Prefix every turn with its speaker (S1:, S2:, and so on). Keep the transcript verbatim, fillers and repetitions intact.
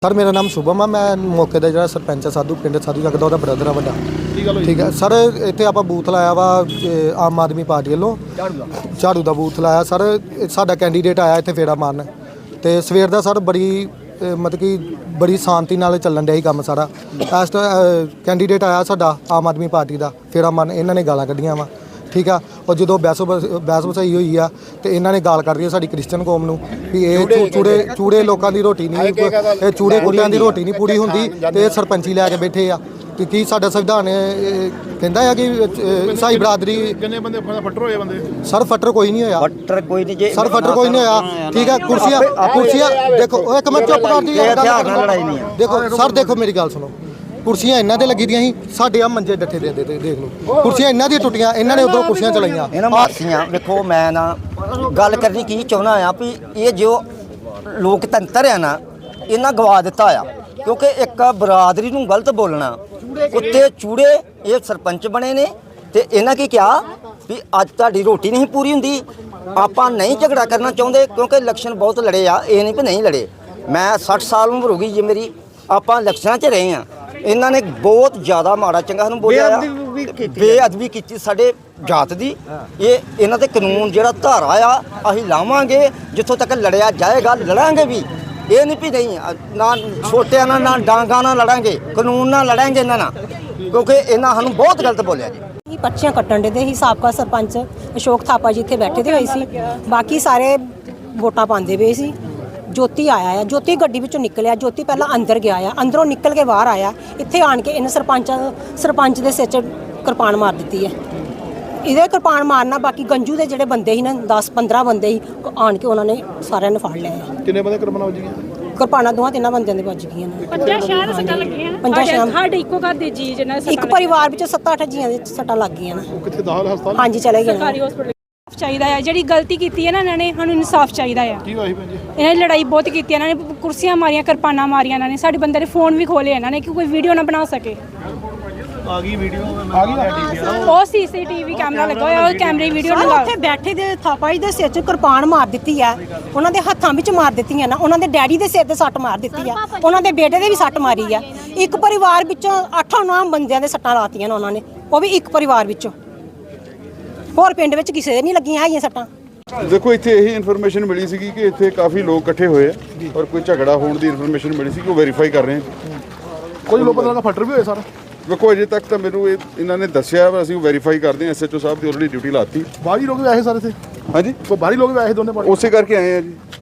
S1: Sir मेरा नाम शुभम है। मैं मौके का जो सरपंच है साधू पिंड साधू जगदा वह ब्रदर है वड्डा। ठीक है सर, इतने आप बूथ लाया वा आम आदमी पार्टी वालों झाड़ू का बूथ लाया सर। साडा कैंडीडेट आया इतने फेरा मारन तो सवेर का सर बड़ी मतलब कि बड़ी शांति नाल चलन दिया ही काम सारा। इस कैंडीडेट आया साडा आम आदमी पार्टी का फेरा मारन, इन्होंने गालां कढ़ियां वा। ठीक है, और जो बहस बहस वसाई हुई है तो इन्होंने गाल कर दी है साडी क्रिश्चियन कौम नूं भी ये चूड़े चूड़े लोगों की रोटी नहीं, ये चूड़े कुत्तियां की रोटी नहीं पूरी होंदी ते सरपंची लैके बैठे आ कि साडा संविधान कहता है कि ईसाई बरादरी सर फटर कोई नहीं होया फटर कोई नहीं सर फटर कोई नहीं होया। ठीक है, कुर्सियां कुर्सियां देखो एक मिनट चुप कर दी देखो सर, देखो मेरी गल सुनो, कुर्सियां इन्हों के लगी दी साढ़े आ मंजे डट्ठे दे दे देख लो, कुर्सियां इन्हों दी टुटियां, इन्होंने उधरों कुर्सियां चलाइयां
S2: मारसियां। देखो मैं ना गल करनी की चाहना आ भी ये जो लोकतंत्र है ना इन्हें गवा दिता आ, क्योंकि एक बरादरी नूं गलत बोलना कुत्ते चूड़े ये सरपंच बने ने ते इन्हें की कहा भी अज तुहाडी रोटी नहीं पूरी हुंदी। आपां नहीं झगड़ा करना चाहते क्योंकि इलैक्शन बहुत लड़े आ, ये नहीं भी नहीं लड़े। मैं सठ साल उम्र हो गई जी मेरी, आपां इलैक्शनां च रहे हैं। इन्होंने बहुत ज़्यादा माड़ा चंगा सानूं बोलिया, बेअदबी की साडे जात दी। ये इन्हां दे कानून जिहड़ा धारा आ असीं लावांगे जिथों तक लड़िया जाएगा, लड़ांगे भी। ये नहीं भी नहीं ना छोटिया ना ना डांगा ना लड़ांगे, कानून ना लड़ांगे इन्हां नाल, क्योंकि इन्हां सानूं बहुत गलत बोलिया जी।
S3: पर्चियां कट्टण दे ही साबका सरपंच अशोक थापा जी इत्थे बैठे दे होए सी, बाकी सारे वोटां पांदे पए सी। ज्योति आया है, ज्योति गड्डी विचों निकलिया, ज्योति पहला अंदर गया है, अंदरों निकल के बाहर आया, इत्थे आण के इन्हें सरपंच सरपंच दे सिर च कृपान मार दी है। इहदे कृपान मारना बाकी गंजू दे जिहड़े बंदे ही ना दस पंद्रह बंदे ही आण के उन्होंने सारिਆਂ ਨੇ ਫੜ ਲਿਆ ਹੈ।
S4: ਕਿੰਨੇ ਬੰਦੇ ਕਿਰਪਾਨਾਂ ਵੱਜੀਆਂ?
S3: ਕਿਰਪਾਨਾਂ ਦੋਹਾਂ ਤਿੰਨਾਂ ਬੰਦਿਆਂ ਦੇ ਵੱਜ ਗਈਆਂ ਨੇ।
S5: ਪੰਜਾਂ ਸ਼ਹਿਰ ਸੱਟਾਂ ਲੱਗੀਆਂ
S3: ਪੰਜਾਂ ਸ਼ਹਿਰ
S5: ਸਾਡੇ ਇੱਕੋ ਘਰ ਦੇ ਜੀ ਜਿਹਨਾਂ
S3: ਇੱਕ ਪਰਿਵਾਰ ਵਿੱਚ ਸੱਤ ਅੱਠ ਜੀਆਂ ਦੇ ਸੱਟਾਂ ਲੱਗ ਗਈਆਂ ਨੇ।
S4: ਉਹ ਕਿੱਥੇ ਦਾਖਲ ਹਸਪਤਾਲ?
S3: ਹਾਂਜੀ ਚਲੇ ਗਏ ਨੇ।
S5: ਸਰਕਾਰੀ ਹਸਪਤਾਲ ਚਾਹੀਦਾ ਹੈ, ਜਿਹੜੀ ਗਲਤੀ ਕੀਤੀ ਹੈ ਨਾ ਇਹਨਾਂ ਨੇ ਸਾਨੂੰ ਇਨਸਾਫ ਚਾਹੀਦਾ ਹੈ।
S4: ਕੀ ਹੋਇਆ ਸੀ ਭੈਣ ਜੀ?
S5: ਇਹਨਾਂ ਨੇ ਲੜਾਈ ਬਹੁਤ ਕੀਤੀ, ਇਹਨਾਂ ਨੇ ਕੁਰਸੀਆਂ ਮਾਰੀਆਂ, ਕਿਰਪਾਨਾਂ ਮਾਰੀਆਂ, ਇਹਨਾਂ ਨੇ ਸਾਡੇ ਬੰਦੇ ਦੇ ਫੋਨ ਵੀ ਖੋਲੇ ਇਹਨਾਂ ਨੇ ਕਿ ਕੋਈ ਵੀਡੀਓ ਨਾ ਬਣਾ ਸਕੇ।
S4: ਆ ਗਈ ਵੀਡੀਓ ਆ ਗਈ
S5: ਉਹ ਸੀਸੀਟੀਵੀ ਕੈਮਰਾ ਲੱਗਾ ਹੋਇਆ, ਉਹ ਕੈਮਰੇ ਵੀਡੀਓ
S3: ਸਾਰੇ
S5: ਲਗਾ
S3: ਉੱਥੇ ਬੈਠੇ ਦੇ ਥਾਪਾ ਜੀ ਦੇ ਸਿਰ 'ਚ ਕਿਰਪਾਨ ਮਾਰ ਦਿੱਤੀ ਆ, ਉਹਨਾਂ ਦੇ ਹੱਥਾਂ ਵਿੱਚ ਮਾਰ ਦਿੱਤੀਆਂ ਨਾ, ਉਹਨਾਂ ਦੇ ਡੈਡੀ ਦੇ ਸਿਰ ਤੇ ਸੱਟ ਮਾਰ ਦਿੱਤੀ ਆ, ਉਹਨਾਂ ਦੇ ਬੇਟੇ ਦੇ ਵੀ ਸੱਟ ਮਾਰੀ ਆ। ਇੱਕ ਪਰਿਵਾਰ ਵਿੱਚੋਂ ਅੱਠਾਂ ਨੌਂ ਬੰਦਿਆਂ ਦੇ ਸੱਟਾਂ ਲਾਤੀਆਂ ਨੇ ਉਹਨਾਂ ਨੇ, ਉਹ ਵੀ ਇੱਕ ਪਰਿਵਾਰ ਵਿੱਚੋਂ। ਹੋਰ ਪਿੰਡ ਵਿੱਚ ਕਿਸੇ ਦੇ ਨਹੀਂ ਲੱਗੀਆਂ ਹੈਗੀਆਂ ਸੱਟਾਂ।
S6: देखो इत्थे यही इन्फॉर्मेशन मिली सी कि इत्थे काफ़ी लोग इकट्ठे हुए और कोई झगड़ा होने की इन्फॉर्मेशन मिली सी कि वो वेरीफाई कर रहे हैं।
S4: ਕੋਈ ਲੋਕਾਂ ਦਾ ਫਟਰ ਵੀ ਹੋਇਆ ਸਰ?
S6: देखो अजे तक तो मैनू इन्होंने दसिया असं वेरीफाई करते हैं। एस एच ओ साहब की ऑलरेडी ड्यूटी लाती।
S4: ਬਾਹਰੀ ਲੋਕ ਵੀ ਆਏ ਸਾਰੇ थे?
S6: हाँ जी,
S4: ਕੋਈ ਬਾਹਰੀ ਲੋਕ ਵੀ ਆਏ ਦੋਨੇ ਪਾਸੇ?
S6: उस करके आए हैं जी।